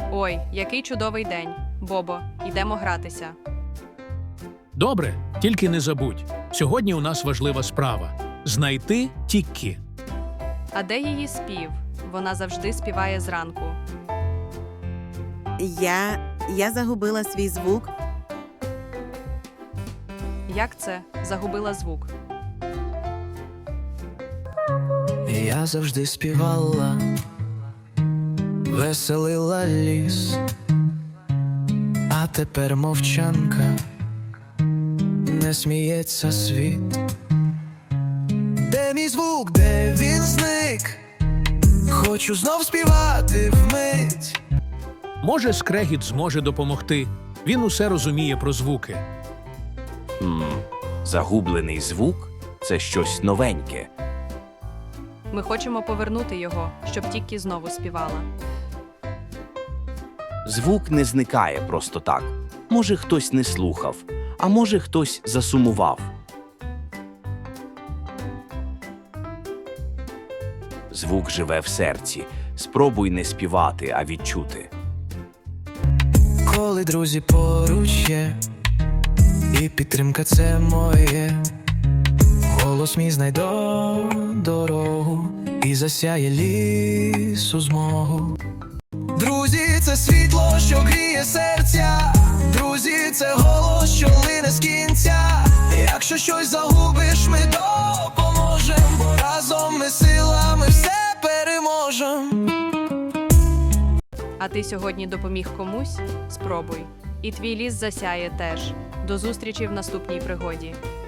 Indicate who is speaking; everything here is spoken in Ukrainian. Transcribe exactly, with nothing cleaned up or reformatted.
Speaker 1: Ой, який чудовий день. Бобо, йдемо гратися.
Speaker 2: Добре, тільки не забудь. Сьогодні у нас важлива справа – знайти Тіккі.
Speaker 1: А де її спів? Вона завжди співає зранку.
Speaker 3: Я... я загубила свій звук.
Speaker 1: Як це? Загубила звук.
Speaker 4: Я завжди співала, веселила ліс, а тепер мовчанка, не сміється світ. Де мій звук, де він зник? Хочу знов співати вмить.
Speaker 2: Може, скрегіт зможе допомогти. Він усе розуміє про звуки.
Speaker 5: Хм, загублений звук – це щось новеньке.
Speaker 1: Ми хочемо повернути його, щоб Тіккі знову співала.
Speaker 5: Звук не зникає просто так. Може, хтось не слухав, а може, хтось засумував. Звук живе в серці. Спробуй не співати, а відчути.
Speaker 4: Коли друзі поруч є, і підтримка це моє, голос мій знайде дорогу і засяє лісу змогу. Друзі, це світло, що гріє серця. Друзі, це голос, що лине з кінця. Якщо щось загубиш, ми допоможем, бо разом ми силами все переможем.
Speaker 1: А ти сьогодні допоміг комусь? Спробуй. І твій ліс засяє теж. До зустрічі в наступній пригоді.